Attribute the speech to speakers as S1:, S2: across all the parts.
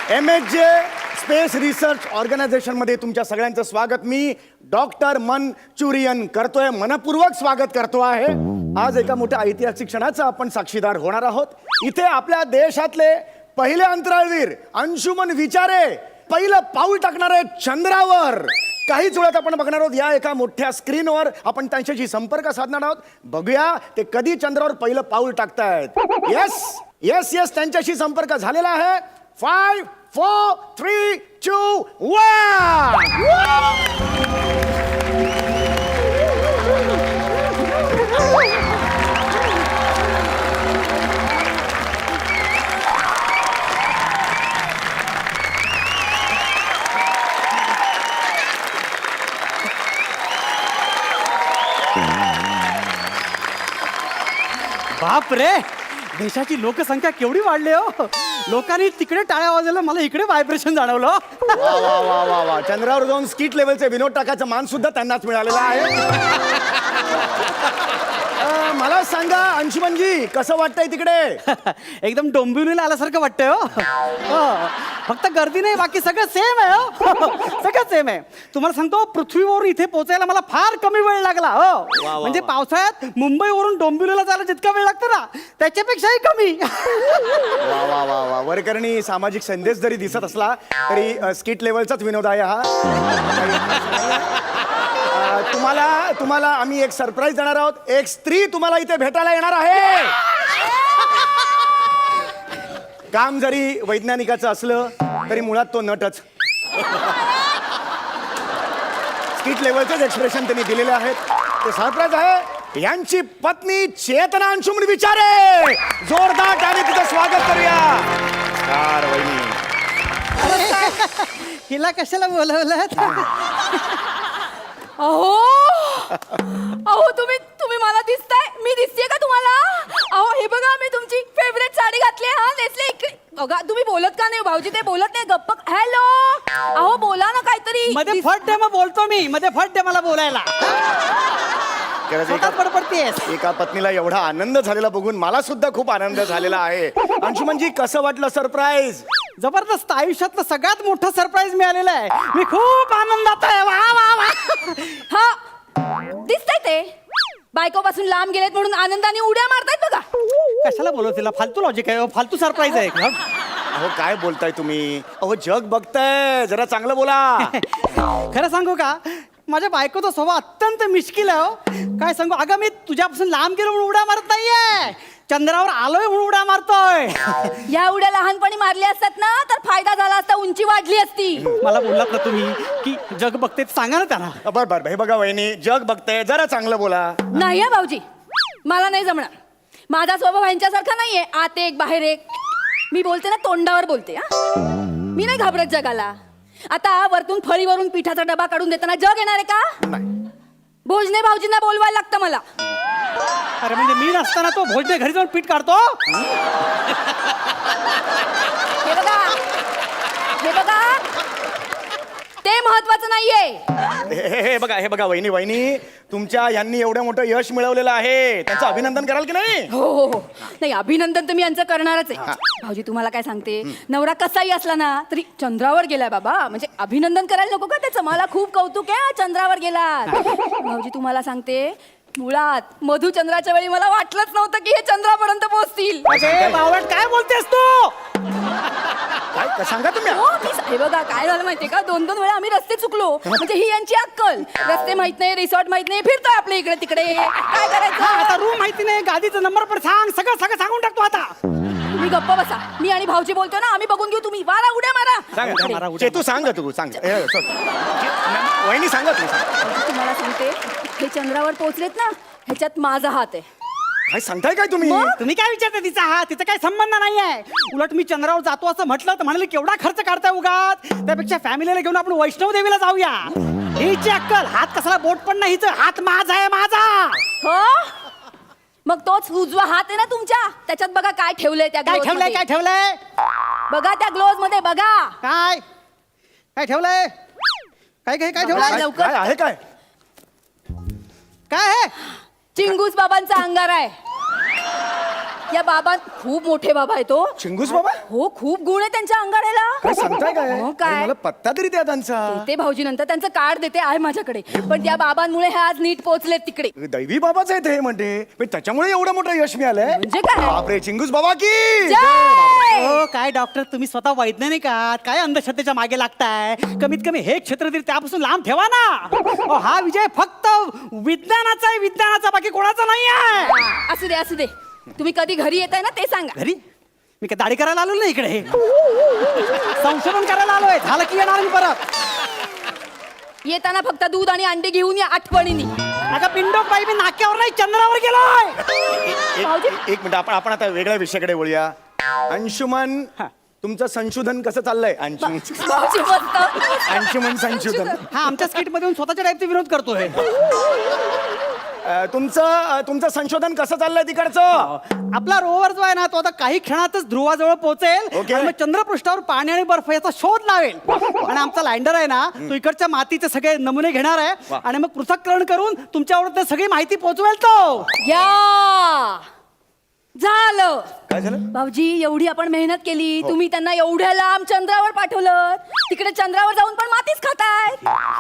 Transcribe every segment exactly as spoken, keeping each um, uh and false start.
S1: M H J space research ऑर्गनायझेशनमध्ये तुमच्या सगळ्यांचं स्वागत. मी डॉक्टर मनचुरियन करतोय, मनपूर्वक स्वागत करतो आहे. आज एका मोठ्या ऐतिहासिक क्षणाचा आपण साक्षीदार होणार आहोत. इथे आपल्या देशातले पहिले अंतराळवीर अंशुमन विचारे पहिलं पाऊल टाकणार आहेत चंद्रावर. काहीच वेळात आपण बघणार आहोत या एका मोठ्या स्क्रीनवर. आपण त्यांच्याशी संपर्क साधणार आहोत. बघूया ते कधी चंद्रावर पहिलं पाऊल टाकतायत. येस येस येस त्यांच्याशी संपर्क झालेला आहे. Five four three two one.
S2: बाप रे, देशाची लोकसंख्या केवढी वाढली हो. लोकांनी तिकडे टाळ्या वाजवल्या, मला इकडे व्हायब्रेशन जाणवलं.
S1: वा वा वा वा वा. चंद्रावर जाऊन स्किट लेवलचे विनोद टाकायचं मान सुद्धा त्यांनाच मिळालेला आहे. अ, मला सांगा अंशुमनजी, कसं वाटतंय तिकडे?
S2: एकदम डोंबिवलीला आल्यासारखं वाटतंय हो. हो. फक्त गर्दी नाही, बाकी सगळं सेम आहे हो. सगळं सेम आहे. तुम्हाला सांगतो, पृथ्वीवरून इथे पोहोचायला मला फार कमी वेळ लागला हो. म्हणजे पावसाळ्यात मुंबईवरून डोंबिवलीला जायला जितका वेळ लागतो ना, त्याच्यापेक्षाही कमी.
S1: वा वा वा वा. वरकरणी सामाजिक संदेश जरी दिसत असला तरी स्किट लेवलचाच विनोद आहे हा. अ, तुम्हाला तुम्हाला आम्ही एक सरप्राईज देणार आहोत. एक स्त्री तुम्हाला इथे भेटायला येणार आहे. काम जरी वैज्ञानिकाचं असलं तरी मुळात तो नटच. स्किट लेवलचेच एक्सप्रेशन त्यांनी दिलेले आहेत. ते सरप्राईज आहे. यांची पत्नी चेतना अंशुमन विचारे. जोरदार टाळी तिचं स्वागत करूया. कार वहिनी.
S2: हिला कशाला बोलवलं?
S3: अहो अहो तुम्ही तुम्ही मला दिसताय, मी दिसतेय का तुम्हाला? अहो हे बघा, मी तुमची फेवरेट साडी घातली हा. नेसले इकडे बघा. तुम्ही बोलत का नाही भाऊजी? ते बोलत नाही, गप्प. हॅलो, अहो बोला ना काहीतरी.
S2: मध्ये फट दे, मग बोलतो मी. मध्ये फट दे मला बोलायला. बडबडतेस.
S1: एका पत्नीला एवढा आनंद झालेला बघून मला सुद्धा खूप आनंद झालेला आहे. अंशुमनजी, कसं वाटलं सरप्राईज?
S2: जबरदस्त. आयुष्यातलं सगळ्यात मोठं सरप्राईज मिळालेलं आहे. मी खूप आनंदात आहे. वा वा वा.
S3: हा दिसतंय ते बायकोपासून लांब गेलेत म्हणून आनंदाने उड्या मारतायत बघा.
S2: कशाला बोलव तिला? फालतू लॉजिक आहे, फालतू सरप्राईज आहे.
S1: अहो काय बोलताय तुम्ही? अहो जग बघताय, जरा चांगलं बोला.
S2: खरं सांगू का, माझ्या बायकोचा स्वभाव अत्यंत मिश्किल आहे हो. काय सांगू, अगं मी तुझ्यापासून लांब गेलो म्हणून उड्या मारत नाहीये, चंद्रावर आलोय म्हणून उड्या मारतोय.
S3: या उड्या लहानपणी मारल्या असतात ना तर फायदा झाला असता, उंची वाढली असती.
S2: मला बोललात ना तुम्ही की जग बघते, सांगा ना त्यांना.
S1: बर बर हे बघा वहिनी, जग बघताय, जरा चांगलं बोला.
S3: नाही हा भाऊजी, मला नाही जमणार. माझा स्वभाव ह्यांच्यासारखा नाहीये, आत एक बाहेर एक. मी बोलते ना तोंडावर बोलते. हा, मी नाही घाबरत जगाला. आता वरतून फळीवरून पिठाचा डबा काढून देताना जग येणार आहे का? भोजने भाऊजींना बोलवायला लागतं मला.
S2: अरे म्हणजे मी नसताना तो भोजने घरी जाऊन पीठ काढतो?
S3: हे बघा, हे बघा, ते महत्वाचं नाहीये.
S1: हे हे बघा हे बघा वहिनी वहिनी तुमच्या यांनी एवढं मोठं यश मिळवलेलं आहे, त्यांचं अभिनंदन कराल की नाही?
S3: हो हो हो. नाही, अभिनंदन तर मी यांचं करणारच आहे. भाऊजी तुम्हाला काय सांगते, नवरा कसाही असला ना तरी चंद्रावर गेलाय बाबा, म्हणजे अभिनंदन करायला नको का त्याचं? मला खूप कौतुक आहे, चंद्रावर गेला. भाऊजी तुम्हाला सांगते, मुळात मधुचंद्राच्या वेळी मला वाटलंच नव्हतं की हे चंद्रापर्यंत पोहोचतील.
S2: बावट काय बोलतेस तू?
S1: काय सांगा तुम्ही?
S3: हो, मी हे बघा काय झालं माहितीये का, दोन दोन वेळा आम्ही रस्ते चुकलो. म्हणजे ही यांची अक्कल. रस्ते माहित नाही, रिसॉर्ट माहित नाही, फिरतोय आपल्या इकडे तिकडे. काय करायचं
S2: आता? रूम माहिती नाही, गाडीचा नंबर पण सांग, सगळं सगळं सांगून टाकतो आता.
S3: तुम्ही गप्प बसा. मी आणि भाऊजी बोलतो ना, आम्ही बघून घेऊ. तुम्ही वारा उड्या मारा.
S1: सांगा चेतू, सांग तू सांग. हे, sorry. वहिनी सांगा तू सांग.
S3: तुम्हाला सांगते, हे चंद्रावर पोहोचलेत ना, ह्याच्यात माझा हात आहे.
S1: काय सांगताय काय तुम्ही?
S2: तुम्ही काय विचारता तिचा हात? तिचा काही संबंध नाहीये. उलट मी चंद्रावर जातो असं म्हटलं तर म्हणाले केवढा खर्च काढताय उगाच, त्यापेक्षा फॅमिलीला घेऊन आपण वैष्णव देवीला जाऊया. हिची अक्कल, हात कसला बोट पण नाही, हात माझा आहे, माझा.
S3: हो, मग तोच उजवा हात आहे ना तुमच्या, त्याच्यात बघा काय ठेवलंय. त्या
S2: काय ठेवलंय? काय ठेवलंय?
S3: बघा त्या ग्लोव्ज मध्ये बघा.
S2: काय काय ठेवलंय? काय काय काय ठेवलंय?
S3: लवकर.
S1: काय आहे? काय
S2: काय आहे?
S3: चिंगूस बाबांचा अंगार आहे. या बाबा खूप मोठे बाबा आहे तो.
S1: चिंगूस बाबा?
S3: हो, खूप गुण आहे त्यांच्या अंगाऱ्याला.
S1: काय सांगताय काय
S3: हो, काय?
S1: अरे, मला पत्ता तरी द्या त्यांचा.
S3: ते भाऊजी नंतर त्यांचं कार्ड देते आहे माझ्याकडे, पण त्या बाबांमुळे हे आज नीट पोहोचलेत तिकडे.
S1: दैवी बाबाच आहे ते म्हणते, पण त्याच्यामुळे एवढं मोठं यश मिळालंय.
S3: म्हणजे काय?
S1: बापरे, चिंगूस बाबा की
S3: जय!
S2: हो काय डॉक्टर तुम्ही स्वतः वैज्ञानिक आहात, काय अंधश्रद्धेच्या मागे लागताय? कमीत कमी हे क्षेत्र तरी त्यापासून लांब ठेवा ना. अहो, हा विजय फक्त विज्ञानाचा आहे, विज्ञानाचा, बाकी कोणाचा नाही आहे.
S3: असू दे असू दे, तुम्ही कधी घरी येताय ना ते सांगा.
S2: घरी मी काय दाढी करायला आलो ना इकडे, संशोधन करायला आलोय. झालं की येणार मी परत.
S3: येताना फक्त दूध आणि अंडे घेऊन या आठवणीने.
S2: अगं पिंडोक बाई, मी नाक्यावर नाही चंद्रावर गेलोय.
S1: एक एक- एक मिनिट, आपण आपण आता वेगळ्या विषयाकडे बोलूया. अंशुमन,
S2: हा.
S1: तुमचं संशोधन कसं चाललंय? अंशुमन
S3: भाऊजी मस्त.
S1: अंशुमन संशोधन.
S2: हा आमच्या स्किट मध्ये येऊन स्वतःच्या टाईपचे विरोध करतोय.
S1: अ, तुमचं अ, तुमचं संशोधन कसं चाललंय तिकडचं?
S2: आपला रोवर जो आहे ना तो आता काही क्षणातच ध्रुवाजवळ पोहोचेल
S1: ओके.
S2: आणि मग चंद्रपृष्ठावर पाणी आणि बर्फ याचा शोध लावेल. आणि आमचा लँडर आहे ना तो इकडच्या मातीचे सगळे नमुने घेणार आहे
S1: वा.
S2: आणि मग पृथक्करण करून तुमच्यावर ते सगळी माहिती पोहोचवेल तो.
S3: या झालं.
S1: काय झालं?
S3: भाऊजी एवढी आपण मेहनत केली, तुम्ही त्यांना एवढ्या लांब चंद्रावर पाठवलं, तिकडे चंद्रावर जाऊन पण मातीच खाताय.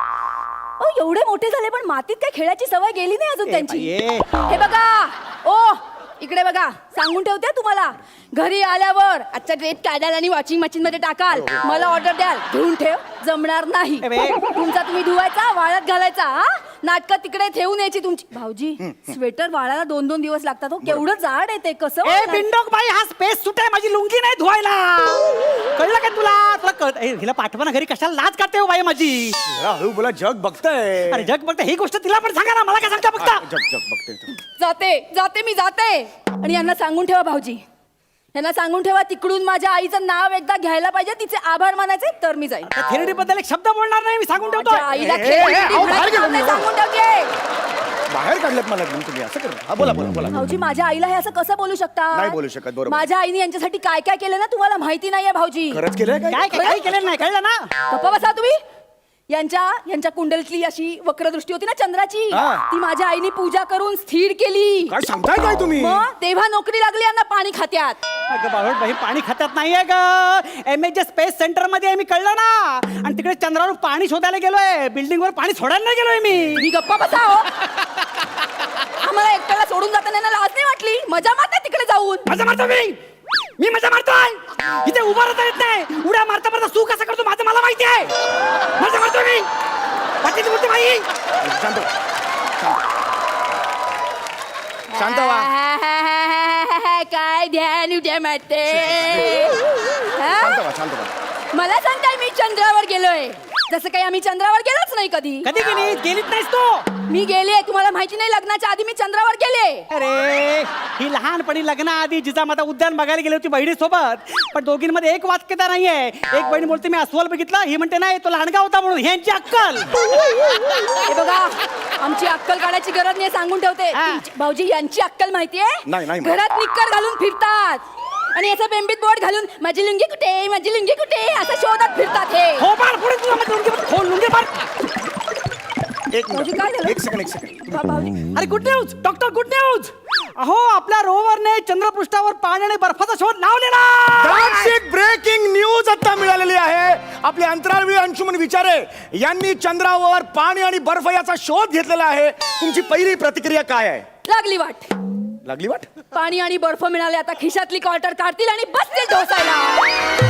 S3: ओ एवढे मोठे झाले पण मातीत काय खेळायची सवय गेली नाही अजून त्यांची.
S2: बाई,
S3: हे बघा, ओ इकडे बघा, सांगून ठेवते तुम्हाला, घरी आल्यावर आजचा ड्रेस काढाल आणि वॉशिंग मशीन मध्ये टाकाल, मला ऑर्डर द्याल, धुवून ठेव, जमणार नाही.
S2: ए बे.
S3: तुमचा तुम्ही धुवायचा, वाळत घालायचा. हा नाटकं तिकडे ठेवून यायची तुमची. भाऊजी स्वेटर वाळायला दोन दोन दिवस लागतात हो, केवढं जाड आहे ते, कसं
S2: ए
S3: वाळणार?
S2: पिंडोक बाई, हा स्पेस सुट आहे, माझी लुंगी नाही धुवायला. कळलं का तुला? तुला कळत ए, हिला पाठवा ना घरी, कशाला लाज काढते हो बाई माझी.
S1: जरा हळू बोला, जग बघताय.
S2: अरे जग बघते ही गोष्ट तिला पण सांगा ना, मला काय सांगता
S1: हा,
S2: बघता.
S1: जग जग बघते.
S3: जाते जाते मी जाते. आणि यांना सांगून ठेवा भाऊजी, यांना सांगून ठेवा तिकडून माझ्या आईचं नाव एकदा घ्यायला पाहिजे, तिचे आभार मानायचे, तर मी जाईन.
S2: थेरडी बद्दल एक शब्द बोलणार नाही मी, सांगून ठेवतो.
S3: माझ्या आईला
S1: ए, ए,
S3: खेळ
S1: ए,
S3: किती
S1: अहो,
S3: म्हणायचं
S1: बाहेर गेलो
S3: काम नाही,
S1: मी.
S3: सांगून ठेवते.
S1: बाहेर काढलं मला घेऊन तुम्ही, असं करा. हा बोला बोला बोला.
S3: भाऊजी माझ्या आईला हे असं कसं बोलू शकता?
S1: नाही बोलू शकत, बरोबर.
S3: माझ्या आईने यांच्यासाठी काय काय केलं ना तुम्हाला माहिती नाहीये भाऊजी.
S1: खरंच केलंय काय?
S2: काय काय केलं नाही, कळलं ना?
S3: गप्पा बसा तुम्ही. यांच्या यांच्या कुंडलीतली अशी वक्रदृष्टी होती ना चंद्राची,
S1: हा.
S3: ती माझ्या आईने पूजा करून स्थिर केली.
S1: काय सांगताय काय तुम्ही?
S3: मग तेव्हा नोकरी लागली यांना पाणी खात्यात.
S2: अगं बाळोट बाई, पाणी खात्यात नाहीये ग, एम एच स्पेस सेंटर मध्ये आहे मी, कळलं ना? आणि तिकडे चंद्रावर पाणी शोधायला गेलोय, बिल्डिंग वर पाणी सोडायला नाही गेलोय मी.
S3: मी गप्पा बसा हो. आम्हाला एकट्याला सोडून जाताना यांना लाज नाही वाटली? मजा मारता तिकडे जाऊन.
S2: मजा मारतो मी मी मजा मारतोय इथे उभा राहता येत नाही, उड्या मारता मारता तू कसं करतो माझं मला माहिती आहे. मजा मारतो मी, वाटेची बोलते बाई.
S1: शांत व्हा. शांत व्हा.
S3: काय ध्यान उद्या मारते. हा?
S1: शांत व्हा, शांत व्हा.
S3: मला सांगताय मी चंद्रावर गेलोय, जसं काही आम्ही चंद्रावर गेलोच नाही कधी.
S2: कधी गेली गेलीच नाहीस तू.
S3: मी गेले, तुम्हाला माहिती नाही, लग्नाच्या आधी मी चंद्रावर गेले.
S2: अरे ही लहानपणी लग्नाआधी जिजामाता उद्यान बघायला गेली होती बहिणी सोबत, पण दोघींमध्ये एक वाक्यता नाहीये. एक बहीण बोलते मी अस्वल बघितला, ही म्हणते नाही तो लहानगा होता म्हणून. ह्यांची अक्कल.
S3: हे बघा, आमची अक्कल काढायची गरज नाही, सांगून ठेवते.
S2: हा.
S3: तुमची- भाऊजी यांची अक्कल माहितीये?
S1: नाही, नाही.
S3: घरात निक्कर घालून फिरतात आणि याचं बेंबीत बोट घालून माझी लुंगी कुठे, माझी लुंगी कुठे असं शोधत फिरतात हे.
S2: हो मार पुढे तुला मग लुंगी मार. हो लुंगी मार.
S1: एक
S3: भाऊजी,
S1: मिनिट.
S3: काय झालं?
S1: एक सेकंड एक सेकंड.
S3: भा- भाऊजी
S2: अरे good news doctor, good news. अहो आपल्या रोवरने चंद्रपृष्ठावर पाणी आणि बर्फाचा शोध लावलेला.
S1: ब्रेकिंग न्यूज आता मिळालेली आहे. आपले अंतराळवीर अंशुमन विचारे यांनी चंद्रावर पाणी आणि बर्फ याचा शोध घेतलेला आहे. तुमची पहिली प्रतिक्रिया काय आहे?
S3: लागली वाट.
S1: लागली वाट?
S3: पाणी आणि बर्फ मिळाले, आता खिशातली क्वार्टर काढतील आणि बसतील ढोसायला.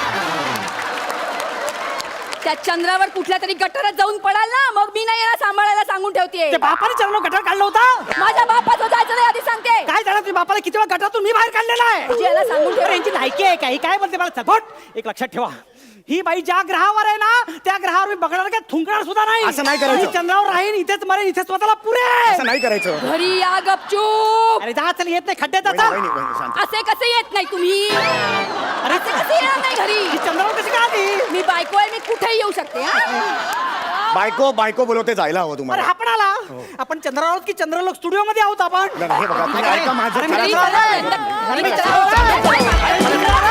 S3: त्या चंद्रावर कुठल्या तरी गटारात जाऊन पडाल ना, मग मी नाही येणार सांभाळायला, सांगून ठेवते.
S2: ते बापाने चरण गटार काढला होता.
S3: माझ्या बापाचं जायचं नाही, आधी सांगते.
S2: काय झालं तुझ्या बापाला किती वेळा गटारातून मी बाहेर काढलेला आहे.
S3: भाऊजी, याला सांगून ठेवा.
S2: अरे, यांची लायकी आहे काही काय बोलते मला सगोट. एक लक्षात ठेवा, ही बाई ज्या ग्रहावर आहे ना त्या ग्रहावर मी बघणार काय थुंकणार सुद्धा नाही.
S1: असं नाही करायचं.
S2: मी चंद्रावर राहीन, इथेच मरेन, इथेच स्वतःला पुरे.
S1: असं नाही करायचं.
S3: घरी या गपचूप.
S2: अरे जा चल, येत नाही खड्ड्यात
S1: वहिनी,
S2: आता.
S1: वहिनी, वहिनी, शांत.
S3: असे कसे येत नाही तुम्ही?
S2: अरे
S3: असे कसे येणार नाही घरी?
S2: ही चंद्रावर कशी काय आली?
S3: मी बायको आहे, मी कुठेही येऊ शकते. हा?
S1: बायको बायको बोलवते जायला हवं
S2: अरे
S1: तुम्हाला.
S2: आपण आला आपण चंद्रावर आहोत की चंद्रलोक स्टुडिओ मध्ये आहोत आपण?
S1: नाही, हे बघा, तुम्ही
S2: अरे,
S1: ऐका माझं.
S2: अरे,
S1: खरं
S2: मी
S1: तर-
S2: चला,
S3: घरी चला.